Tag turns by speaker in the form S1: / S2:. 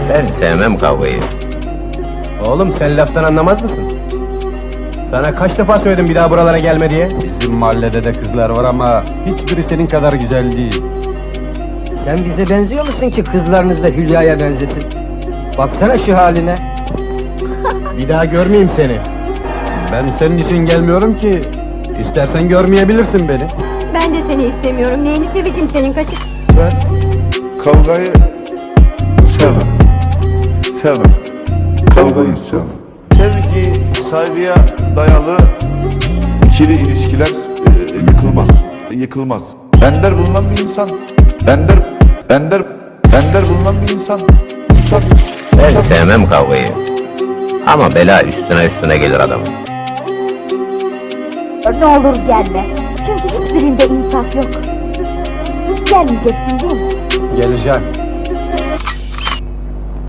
S1: Ben sevmem kavgayı.
S2: Oğlum sen laftan anlamaz mısın? Sana kaç defa söyledim bir daha buralara gelme diye?
S3: Bizim mahallede de kızlar var ama hiçbiri senin kadar güzel değil.
S4: Sen bize benziyor musun ki kızlarınız da Hülya'ya benzesin? Baksana şu haline.
S2: Bir daha görmeyeyim seni.
S3: Ben senin için gelmiyorum ki. İstersen görmeyebilirsin beni.
S5: Ben de seni istemiyorum. Neyini seveceğim senin kaçık?
S6: Ben kavgayı sevmem. Sevmem. Kavgayı sevmem. Sevgi, saygıya dayalı ikili ilişkiler yıkılmaz. Yıkılmaz. Ender bulunan bir insan. Ender bulunan bir insan.
S1: Ben sevmem kavgayı. Ama bela üstüne gelir adamın.
S5: Ne olur gelme. Çünkü hiçbirinde insaf yok. Gelmeyeceksin değil mi?
S2: Geleceğim.